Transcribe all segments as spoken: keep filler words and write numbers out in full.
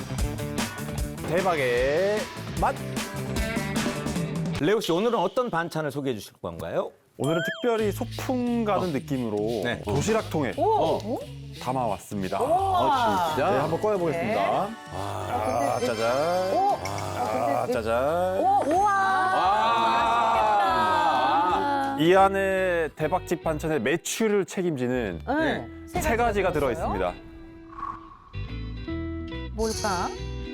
대박의 맛. 레오 씨, 오늘은 어떤 반찬을 소개해 주실 건가요? 오늘은 특별히 소풍 가는 느낌으로 네. 도시락통에 오! 어, 담아왔습니다. 우와. 네, 한번 꺼내보겠습니다. 네. 아, 근데 짜잔. 오! 아, 짜잔. 오, 우와! 아. 이 안에 대박집 반찬의 매출을 책임지는 네. 세 가지가 들어 있습니다. 뭘까?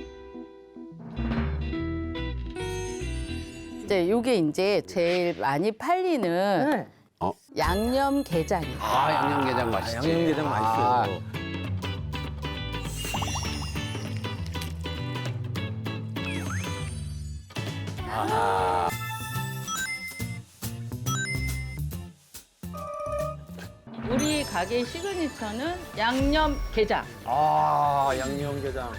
이제 요게 이제 제일 많이 팔리는 네. 양념 게장이에요. 아, 양념게장 맛있지. 양념게장 맛있어요. 우리 가게 시그니처는 양념 게장. 아, 양념게장.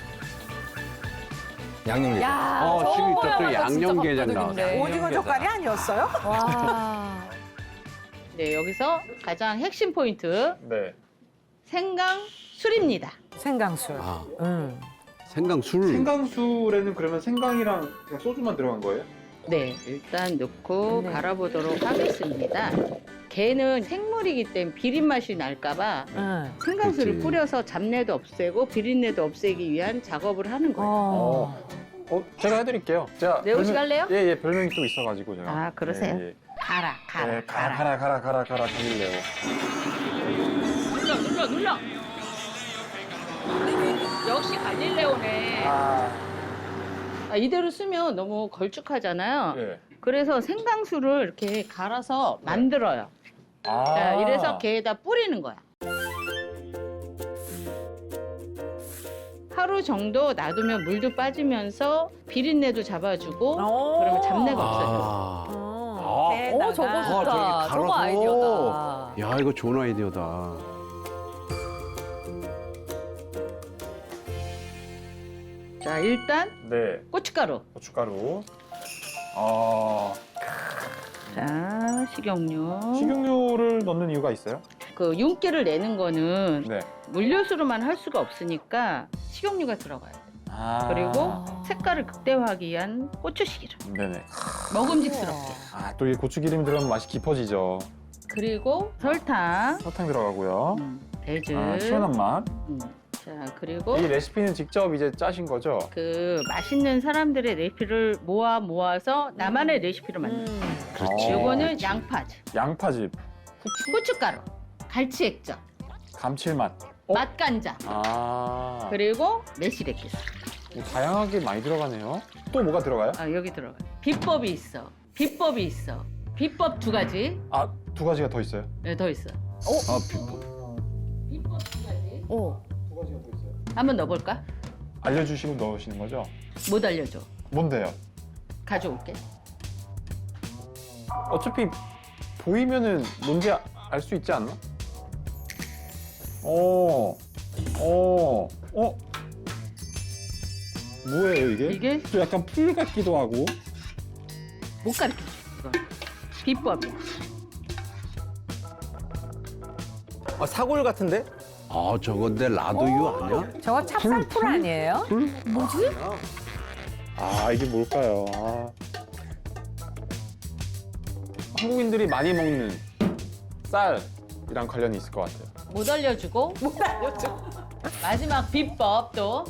양념게장. 야, 어, 저거 시그니처 또 보여요. 양념게장 진짜 나왔어. 네. 오징어 젓갈이 아니었어요? 와. 네, 여기서 가장 핵심 포인트 네. 생강 술입니다. 생강술. 아, 음. 생강술. 생강술에는 그러면 생강이랑 그냥 소주만 들어간 거예요? 네, 일단 넣고 네. 갈아보도록 하겠습니다. 게는 생물이기 때문에 비린 맛이 날까봐 응. 생강술을 그치. 뿌려서 잡내도 없애고 비린내도 없애기 위한 작업을 하는 거예요. 어. 어, 제가 해드릴게요. 제가 레오 씨 별명- 할래요? 예, 예, 별명이 또 있어가지고 제가. 아, 그러세요? 예, 예. 가라, 가라, 네, 가라, 가라. 가라, 가라, 가라, 가라, 가릴래요. 눌러, 눌러, 눌러. 역시 갈릴레오네. 아, 아, 이대로 쓰면 너무 걸쭉하잖아요. 예. 그래서 생강술을 이렇게 갈아서 만들어요. 아. 자, 이래서 게에다 뿌리는 거야. 하루 정도 놔두면 물도 빠지면서 비린내도 잡아주고 오. 그러면 잡내가 없어져요. 아, 어. 어, 저거 아, 좋다. 저렇게 저거 갈아서. 아이디어다. 야, 이거 좋은 아이디어다. 자, 일단 네, 고춧가루. 고춧가루. 아, 자, 식용유. 식용유를 넣는 이유가 있어요? 그 윤기를 내는 거는 네. 물엿으로만 할 수가 없으니까 식용유가 들어가요. 아. 그리고 색깔을 극대화하기 위한 고추기름. 네네. 먹음직스럽게. 아, 또 이 고추기름이 들어가면 맛이 깊어지죠. 그리고 설탕, 설탕 들어가고요. 음, 배즙. 아, 시원한 맛. 음. 자, 그리고 이 레시피는 직접 이제 짜신 거죠? 그 맛있는 사람들의 레시피를 모아 모아서 나만의 레시피를 만든 거예요. 그렇지. 요거는 양파즙, 양파즙, 고춧가루, 갈치 액젓, 감칠맛. 어? 맛간장, 아. 그리고 매실액기스. 뭐 다양하게 많이 들어가네요. 또 뭐가 들어가요? 아, 여기 들어가요. 비법이 있어. 비법이 있어. 비법 두 가지. 아, 두 가지가 더 있어요. 네, 더 있어. 아, 비법. 비법 두 가지. 오. 두 가지가 더 있어요. 한번 넣어볼까? 알려주시고 넣으시는 거죠? 못 알려줘. 뭔데요? 가져올게. 어차피 보이면은 뭔지 알 수 있지 않나? 어, 어, 어? 뭐예요 이게? 이게 또 약간 풀 같기도 하고. 못 가르쳐줘. 이거. 비법이야. 아, 사골 같은데? 아, 저건데 라도유 아니야? 저거 찹쌀풀 아니에요? 아, 이게 뭘까요? 아. 한국인들이 많이 먹는 쌀이랑 관련이 있을 것 같아요. 못 알려주고. 못 알려줘. 마지막 비법 또.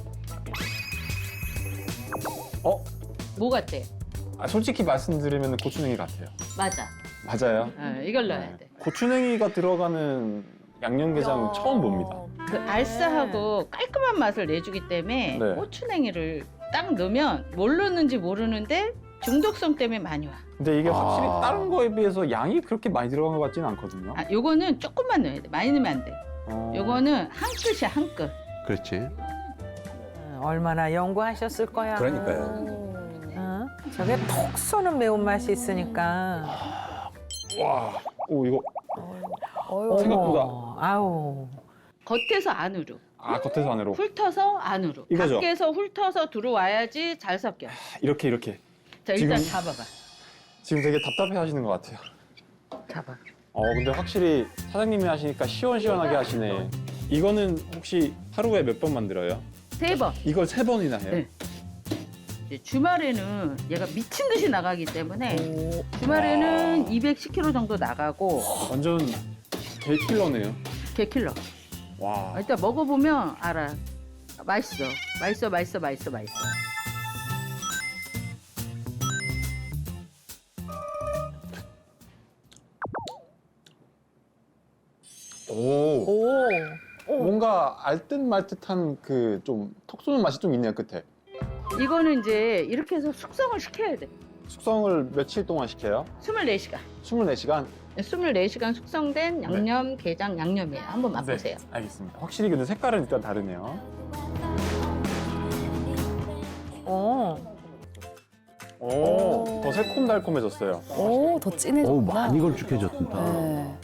어? 뭐 같대? 아, 솔직히 말씀드리면 고추냉이 같아요. 맞아. 맞아요. 어, 이걸 넣어야 돼. 고추냉이가 들어가는 양념게장 처음 봅니다. 그 알싸하고 깔끔한 맛을 내주기 때문에 네. 고추냉이를 딱 넣으면 뭘 넣는지 모르는데 중독성 때문에 많이 와. 근데 이게 확실히 아. 다른 거에 비해서 양이 그렇게 많이 들어간 것 같지는 않거든요. 아, 요거는 조금만 넣어야 돼. 많이 넣으면 안 돼. 어. 요거는 한 끗이야, 한 끗. 그렇지. 음, 얼마나 연구하셨을 거야. 그러니까요. 어? 저게 톡 쏘는 매운맛이 있으니까. 와, 오 이거 어휴. 생각보다. 어머, 아우. 겉에서 안으로. 아 겉에서 안으로 훑어서 안으로. 이거죠? 밖에서 훑어서 들어와야지 잘 섞여. 이렇게 이렇게. 자, 일단 지금- 잡아봐. 지금 되게 답답해하시는 것 같아요. 잡아. 어 근데 확실히 사장님이 하시니까 시원시원하게 하시네. 이거는 혹시 하루에 몇 번 만들어요? 세 번. 이걸 세 번이나 해요? 네. 이제 주말에는 얘가 미친 듯이 나가기 때문에 주말에는 이백십 킬로그램 정도 나가고 완전 개킬러네요. 개킬러. 와. 일단 먹어보면 알아. 맛있어. 맛있어, 맛있어, 맛있어, 맛있어. 오. 오. 뭔가 알듯 말듯한 그 좀 톡 쏘는 맛이 좀 있네요, 끝에. 이거는 이제 이렇게 해서 숙성을 시켜야 돼. 숙성을 며칠 동안 시켜요? 스물네 시간. 스물네 시간? 스물네 시간 숙성된 양념, 게장 양념이에요. 한번 맛보세요. 네, 알겠습니다. 확실히 근데 색깔은 일단 다르네요. 어. 오, 더 새콤달콤해졌어요. 오, 더 어우, 진해졌구나. 많이 걸쭉해졌다. 네.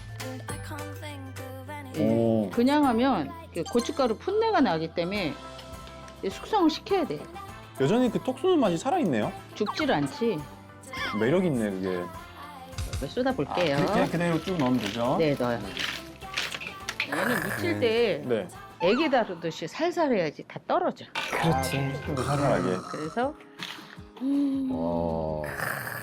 오. 그냥 하면 이렇게 고춧가루 풋내가 나기 때문에 이제 숙성을 시켜야 돼. 여전히 그 톡 쏘는 맛이 살아있네요. 죽질 않지. 매력 있네, 그게. 이거 쏟아볼게요. 그냥 그대로 쭉 넣으면 되죠? 네, 넣어요. 얘는 무칠 때 네. 애기 다루듯이 살살 해야지 다 떨어져. 그렇지. 좀 더 살살하게. 그래서 어.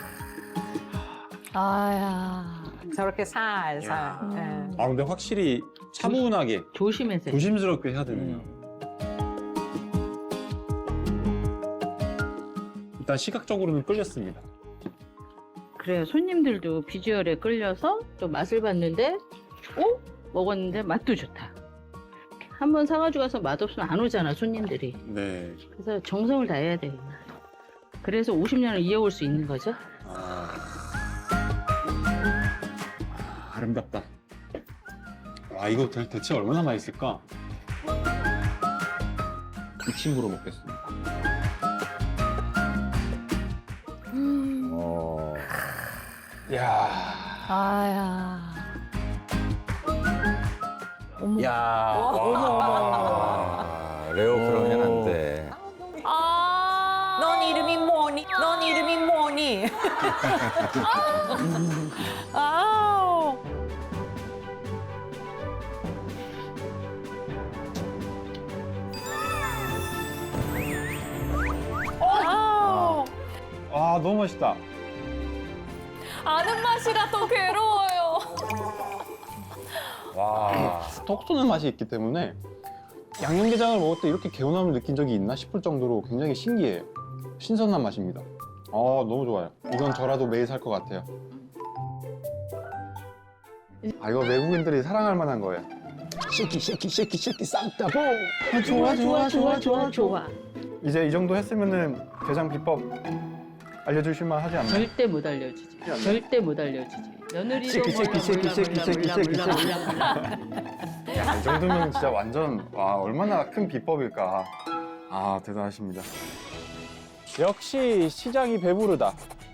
아야. 저렇게 살살. 예. 아, 근데 확실히 차분하게, 조심해서 해야 돼. 조심스럽게 해야 되네요. 일단 시각적으로는 끌렸습니다. 그래요. 손님들도 비주얼에 끌려서 또 맛을 봤는데, 어? 먹었는데 맛도 좋다. 한 번 사가지고 가서 맛없으면 안 오잖아, 손님들이. 네. 그래서 정성을 다해야 돼. 그래서 오십 년을 이어올 수 있는 거죠. 아... 아름답다. 와, 이거 대, 대체 얼마나 맛있을까? 이 친구로 먹겠습니다. 어. 이야. 아야. 어머. 야. 아, 레오 그러면 안 돼. 아. 넌 이름이 뭐니? 넌 이름이 뭐니? 아우. 아우. 아, 너무 맛있다. 아는 맛이라 더 괴로워요. 와. 톡 쏘는 맛이 있기 때문에 양념게장을 먹을 때 이렇게 개운함을 느낀 적이 있나 싶을 정도로 굉장히 신기해요. 신선한 맛입니다. 아, 너무 좋아요. 이건 저라도 매일 살 것 같아요. 아, 이거 외국인들이 사랑할 만한 거예요. 쉐키 쉐키 쉐키 쉐키 쌈따보. 아, 좋아 좋아 좋아 좋아 좋아. 이제 이 정도 했으면은 게장 비법 알려주실 만 하지 않나요? 절대 못 알려주지. 절대 못 알려주지. 며느리도 쉐키, 쉐키, 몰라, 쉐키, 몰라, 쉐키, 몰라, 쉐키, 몰라, 쉐키, 몰라, 쉐키. 몰라, 몰라. 야, 이 정도면 진짜 완전 와, 얼마나 큰 비법일까. 아, 대단하십니다. 역시 시장이 배부르다.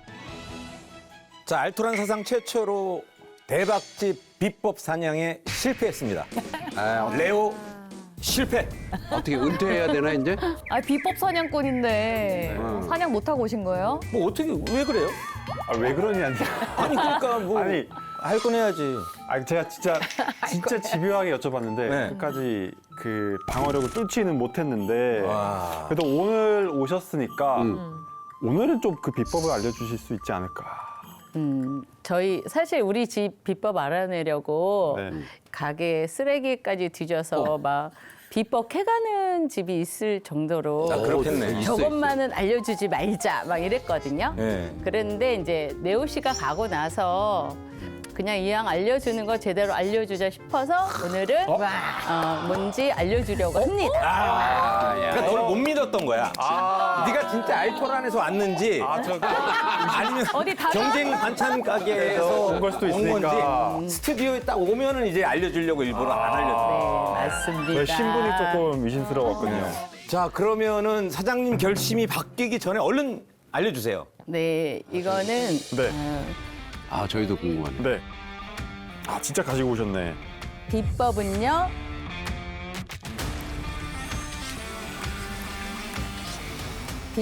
자, 알토란 사상 최초로 대박집 비법 사냥에 실패했습니다. 아, 레오 실패. 어떻게 은퇴해야 되나, 이제? 아, 비법 사냥꾼인데 어. 사냥 못 하고 오신 거예요? 뭐 어떻게 왜 그래요? 아, 왜 그러냐니. 아니 그러니까 뭐 아니, 할 건 해야지. 아, 제가 진짜 진짜 집요하게 여쭤봤는데 네. 끝까지 그 방어력을 뚫지는 못했는데 와. 그래도 오늘 오셨으니까 음. 오늘은 좀 그 비법을 알려주실 수 있지 않을까. 음, 저희 사실 우리 집 비법 알아내려고 네. 가게 쓰레기까지 뒤져서 막 비법 캐가는 집이 있을 정도로 아, 그렇겠네. 있어, 저것만은 알려주지 말자 막 이랬거든요. 네. 그랬는데 이제 네오 씨가 가고 나서 그냥 이왕 알려주는 거 제대로 알려주자 싶어서 오늘은 어? 어, 뭔지 알려주려고 합니다. 아, 그러니까 너를 못 믿었던 거야. 네가 진짜 알토란에서 왔는지 아, 저 아니면 어디 다른 경쟁 반찬 가게에서 온 걸 수도 온 있으니까. 건지 스튜디오에 딱 오면은 이제 알려주려고 일부러 안 알려줘. 네, 맞습니다. 저희 신분이 조금 의심스러웠거든요. 자, 그러면은 사장님 결심이 바뀌기 전에 얼른 알려주세요. 네, 이거는 네. 어, 아, 저희도 궁금하네. 네. 아, 진짜 가지고 오셨네. 비법은요.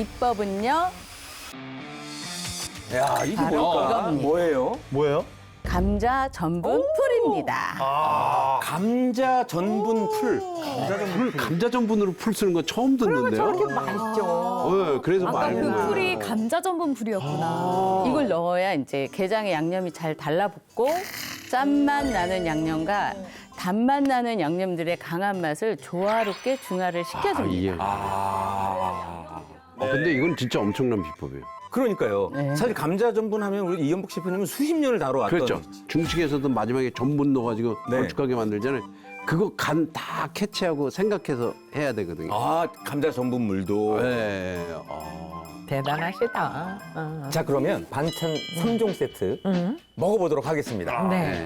비법은요. 야, 이게 바로 뭘까? 이겁니다. 뭐예요? 뭐예요? 감자 전분 풀입니다. 아, 감자 전분 풀. 풀, 감자 전분으로 풀 쓰는 거 처음 듣는데요. 저렇게 맛있죠. 네, 그래서 아까 많이 그 먹어요. 풀이 감자 전분 풀이었구나. 이걸 넣어야 이제 게장에 양념이 잘 달라붙고 짠맛 나는 양념과 단맛 나는 양념들의 강한 맛을 조화롭게 중화를 아, 시켜줍니다. 이해. 아. 아, 근데 이건 진짜 엄청난 비법이에요. 그러니까요. 네. 사실 감자 전분 하면 우리 이연복 셰프님은 수십 년을 다뤄왔던. 그렇죠. 중식에서도 마지막에 전분 넣어가지고 네. 걸쭉하게 만들잖아요. 그거 간 다 캐치하고 생각해서 해야 되거든요. 아, 감자 전분 물도. 네. 아. 대단하시다. 어. 자, 그러면 반찬 삼 종 세트 음. 먹어보도록 하겠습니다. 네. 네.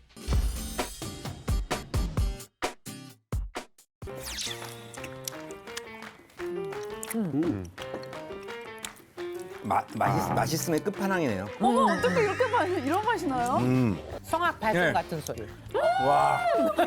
마, 맛있, 맛있음의 끝판왕이네요. 어머, 어떻게 이렇게 맛, 이런 맛이 나요? 음. 성악 발성 네. 같은 소리. 와.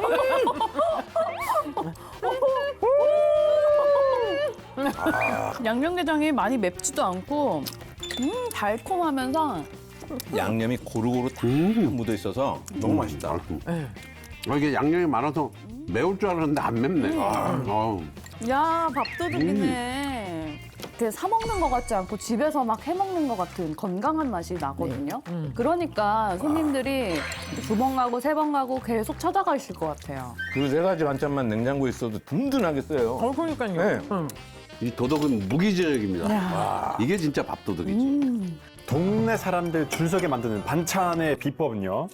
양념게장이 많이 맵지도 않고, 음, 달콤하면서 양념이 고루고루 다 음. 묻어 있어서 너무 맛있다. 아, 이게 양념이 많아서 매울 줄 알았는데 안 맵네. 아, 어우. 야, 밥도둑이네. 이렇게 사 먹는 것 같지 않고 집에서 막 해 먹는 것 같은 건강한 맛이 나거든요. 그러니까 손님들이 두 번 가고 세 번 가고 계속 찾아가실 것 같아요. 그 세 가지 반찬만 냉장고에 있어도 든든하겠어요. 어, 그러니까요. 네. 응. 이 도덕은 무기징역입니다. 와, 이게 진짜 밥도덕이지. 동네 사람들 줄 서게 만드는 반찬의 비법은요?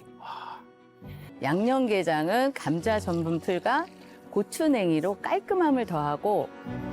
양념게장은 감자 전분 풀과 고추냉이로 깔끔함을 더하고